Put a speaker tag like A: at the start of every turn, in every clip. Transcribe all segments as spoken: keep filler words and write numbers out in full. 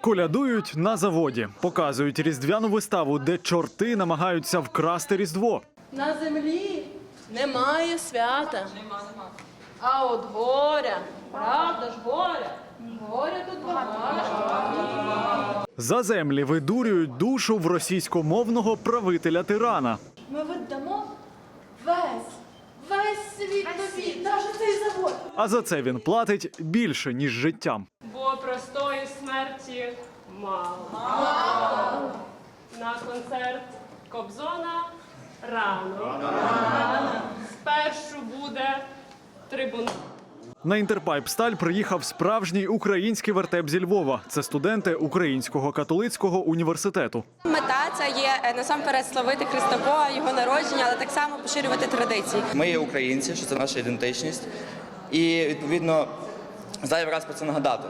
A: Колядують на заводі, показують різдвяну виставу, де чорти намагаються вкрасти Різдво.
B: На землі немає свята. А от горя, правда ж горя, горя тут багато.
A: За землі видурюють душу в російськомовного правителя-тирана.
B: Ми віддамо весь, весь світ тобі, навіть цей завод.
A: А за це він платить більше, ніж життям.
C: Бо простої смерті мало. Мало. На концерт Кобзона рано. Рано. Спершу буде трибунал.
A: На Інтерпайп-Сталь приїхав справжній український вертеп зі Львова. Це студенти Українського католицького університету.
D: Мета – це є насамперед славити Христа Бога, його народження, але так само поширювати традиції.
E: Ми є українці, що це наша ідентичність. І, відповідно, зайвий раз про це нагадати.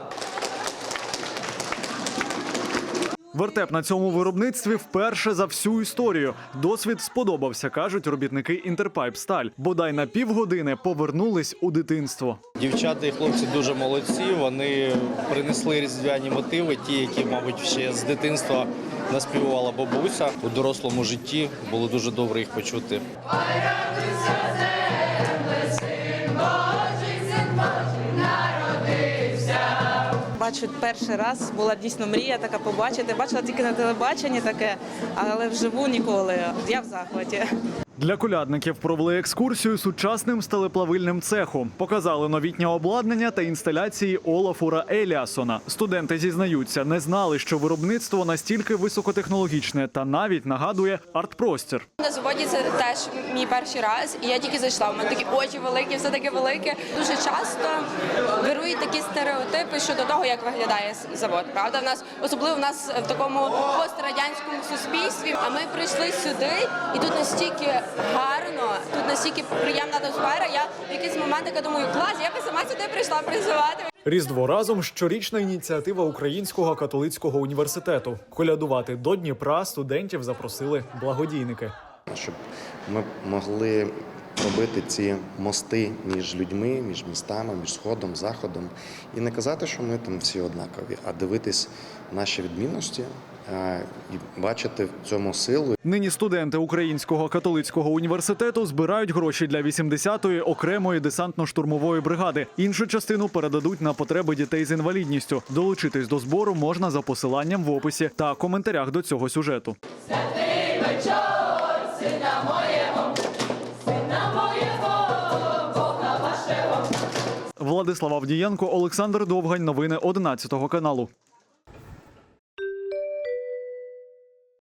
A: Вертеп на цьому виробництві вперше за всю історію. Досвід сподобався, кажуть робітники Інтерпайп-Сталь. Бодай на півгодини повернулись у дитинство.
F: Дівчата і хлопці дуже молодці, вони принесли різдвяні мотиви, ті, які, мабуть, ще з дитинства наспівувала бабуся. У дорослому житті було дуже добре їх почути.
G: Бачу перший раз, була дійсно мрія така побачити. Бачила тільки на телебаченні таке, але вживу ніколи. Я в захваті.
A: Для колядників провели екскурсію сучасним стелеплавильним цехом. Показали новітнє обладнання та інсталяції Олафура Еліасона. Студенти зізнаються, не знали, що виробництво настільки високотехнологічне та навіть нагадує арт-простір.
D: На заводі це теж мій перший раз, і я тільки зайшла. У мене такі очі великі, все таке велике. Дуже часто вирують такі стереотипи щодо того, як виглядає завод. Правда, в нас особливо в нас в такому пострадянському суспільстві. А ми прийшли сюди, і тут настільки гарно, тут настільки приємна атмосфера. Я в якийсь момент така думаю, клас, я би сама сюди прийшла працювати.
A: Різдво разом – щорічна ініціатива Українського католицького університету. Колядувати до Дніпра студентів запросили благодійники.
H: Щоб ми могли робити ці мости між людьми, між містами, між Сходом, Заходом. І не казати, що ми там всі однакові, а дивитись наші відмінності і бачити в цьому силу.
A: Нині студенти Українського католицького університету збирають гроші для вісімдесятої окремої десантно-штурмової бригади. Іншу частину передадуть на потреби дітей з інвалідністю. Долучитись до збору можна за посиланням в описі та коментарях до цього сюжету.
B: Святий вечір, сина моєго, сина моєго, Бога вашого.
A: Владислав Авдієнко, Олександр Довгань. Новини одинадцятого каналу.